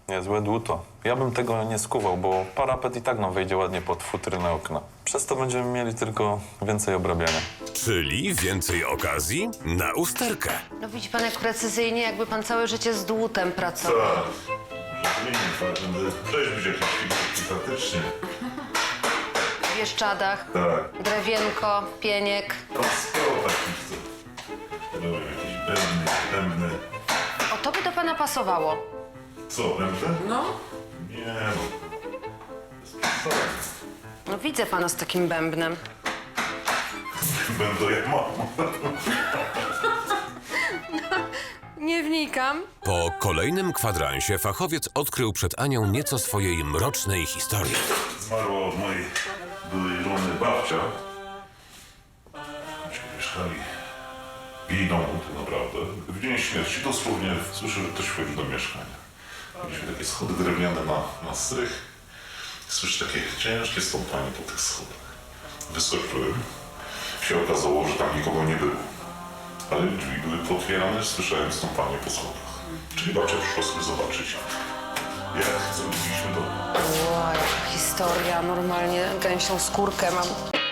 Niezłe dłuto. Ja bym tego nie skuwał, bo parapet i tak nam wejdzie ładnie pod futrynę okna. Przez to będziemy mieli tylko więcej obrabiania. Czyli więcej okazji na usterkę. No widzi pan, jak precyzyjnie, jakby pan całe życie z dłutem pracował. Tak. Może zmienić, ale będę rzeźbić jakieś figurki faktycznie. W Bieszczadach, Tak. drewienko, pieniek. Tam sporo takich, co... Były jakieś bębny. O, to by do pana pasowało. Co, bębny? No. Nie no. Co? No widzę pana z takim bębnem. Będę jak mama. Nie wnikam. Po kolejnym kwadransie fachowiec odkrył przed Anią nieco swojej mrocznej historii. Zmarła od mojej byłej żony babcia. Myśmy mieszkali w jej domu, to naprawdę. W dzień śmierci dosłownie słyszę, że ktoś wchodzi do mieszkania. Mieliśmy takie schody drewniane na strych. Słyszę takie ciężkie stąpanie po tych schodach. Wyskoczyłem. Się okazało, że tam nikogo nie było. Ale drzwi były pootwierane, słyszałem stąpanie po schodach. Czyli babcia przyszła sobie zobaczyć, jak zrobiliśmy dom. Ła, jaka historia. Normalnie gęsią skórkę mam.